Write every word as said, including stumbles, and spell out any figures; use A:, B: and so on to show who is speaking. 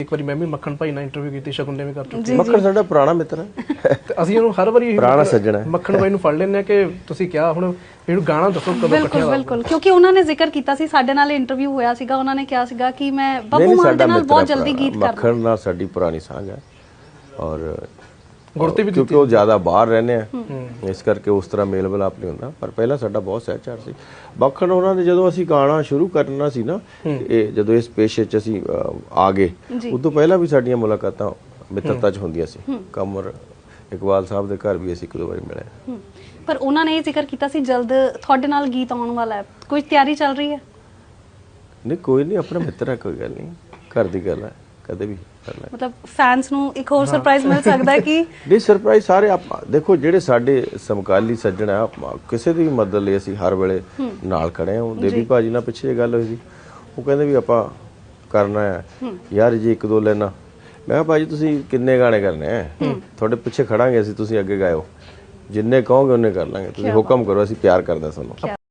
A: ਇੱਕ ਵਾਰੀ ਮੈਂ ਵੀ ਮੱਖਣ ਭਾਈ ਨਾਲ ਇੰਟਰਵਿਊ ਕੀਤੀ, ਸ਼ਗੁਨ ਨੇ ਵੀ ਕਰ ਚੁੱਕੇ।
B: ਮੱਖਣ ਸਾਡਾ ਪੁਰਾਣਾ ਮਿੱਤਰ ਹੈ
A: ਤੇ ਅਸੀਂ ਉਹਨੂੰ ਹਰ ਵਾਰੀ
B: ਪੁਰਾਣਾ ਸੱਜਣ ਹੈ।
A: ਮੱਖਣ ਭਾਈ ਨੂੰ ਫੜ ਲੈਂਦੇ ਆ ਕਿ ਤੁਸੀਂ ਕਿਹਾ ਹੁਣ ਇਹਨੂੰ ਗਾਣਾ ਦੱਸੋ ਕਦੋਂ ਇਕੱਠੇ
C: ਬਿਲਕੁਲ ਬਿਲਕੁਲ, ਕਿਉਂਕਿ ਉਹਨਾਂ ਨੇ ਜ਼ਿਕਰ ਕੀਤਾ ਸੀ, ਸਾਡੇ ਨਾਲ ਇੰਟਰਵਿਊ ਹੋਇਆ ਸੀਗਾ, ਉਹਨਾਂ ਨੇ ਕਿਹਾ ਸੀਗਾ ਕਿ ਮੈਂ ਬੱਬੂ ਮਾਨ ਦੇ ਨਾਲ ਬਹੁਤ ਜਲਦੀ ਗੀਤ ਕਰਦਾ।
B: ਮੱਖਣ ਨਾਲ ਸਾਡੀ ਪੁਰਾਣੀ ਸਾਂਝ ਹੈ ਔਰ
A: ਗੁਰਤੀ ਵੀ
B: ਕਿਉਂਕਿ ਉਹ ਜ਼ਿਆਦਾ ਬਾਹਰ ਰਹਿੰਦੇ ਆ, ਇਸ ਕਰਕੇ ਉਸ ਤਰ੍ਹਾਂ ਮੇਲ ਮਿਲਾਪ ਨਹੀਂ ਹੁੰਦਾ, ਪਰ ਪਹਿਲਾਂ ਸਾਡਾ ਬਹੁਤ ਸਹਿਚਾਰ ਸੀ। ਮੱਖਣ ਉਹਨਾਂ ਨੇ ਜਦੋਂ ਅਸੀਂ ਗਾਣਾ ਸ਼ੁਰੂ ਕਰਨਾ ਸੀ ਨਾ, ਇਹ ਜਦੋਂ ਇਸ ਪੇਸ਼ੇ 'ਚ ਅਸੀਂ ਆ ਗਏ, ਉਦੋਂ ਪਹਿਲਾਂ ਵੀ ਸਾਡੀਆਂ ਮੁਲਾਕਾਤਾਂ ਮਿੱਤਰਤਾ 'ਚ ਹੁੰਦੀਆਂ ਸੀ। ਕਮਰ ਇਕਬਾਲ ਸਾਹਿਬ ਦੇ ਘਰ ਵੀ ਅਸੀਂ ਇੱਕ ਦੋ ਵਾਰੀ ਮਿਲੇ,
C: ਪਰ ਉਹਨਾਂ ਨੇ ਇਹ ਜ਼ਿਕਰ ਕੀਤਾ ਸੀ ਜਲਦ ਤੁਹਾਡੇ ਨਾਲ ਗੀਤ ਆਉਣ ਵਾਲਾ ਹੈ, ਕੋਈ ਤਿਆਰੀ ਚੱਲ ਰਹੀ ਹੈ?
B: ਨਹੀਂ ਕੋਈ ਨਹੀਂ, ਆਪਣਾ ਮਿੱਤਰ ਹੈ, ਕੋਈ ਗੱਲ ਨਹੀਂ, ਘਰ ਦੀ ਗੱਲ ਹੈ, ਕਦੇ ਵੀ ਕਰ ਲੈ।
C: ਮਤਲਬ ਫੈਨਸ ਨੂੰ ਇੱਕ ਹੋਰ ਸਰਪ੍ਰਾਈਜ਼ ਮਿਲ ਸਕਦਾ ਹੈ ਕਿ
B: ਨਹੀਂ ਸਰਪ੍ਰਾਈਜ਼ ਸਾਰੇ ਆਪਾਂ ਦੇਖੋ, ਜਿਹੜੇ ਸਾਡੇ ਸਮਕਾਲੀ ਸੱਜਣ ਆ, ਕਿਸੇ ਦੀ ਵੀ ਮਦਦ ਲਈ ਅਸੀਂ ਹਰ ਵੇਲੇ ਨਾਲ ਖੜੇ ਹਾਂ। ਦੇਵੀ ਭਾਜੀ ਨਾਲ ਪਿੱਛੇ ਜੇ ਗੱਲ ਹੋਈ ਸੀ, ਉਹ ਕਹਿੰਦੇ ਵੀ ਆਪਾਂ ਕਰਨਾ ਹੈ ਯਾਰ ਜੀ ਇੱਕ ਦੋ ਲੈਣਾ। ਮੈਂ ਕਿਹਾ ਭਾਜੀ ਤੁਸੀਂ ਕਿੰਨੇ ਗਾਣੇ ਕਰਨੇ ਆ, ਤੁਹਾਡੇ ਪਿੱਛੇ ਖੜਾਂਗੇ ਅਸੀਂ, ਤੁਸੀਂ ਅੱਗੇ ਗਾਇਓ, ਜਿੰਨੇ ਕਹੋਗੇ ਉਹਨੇ ਕਰ ਲਾਂਗੇ, ਤੁਸੀਂ ਹੁਕਮ ਕਰੋ, ਅਸੀਂ ਪਿਆਰ ਕਰਦੇ ਤੁਹਾਨੂੰ।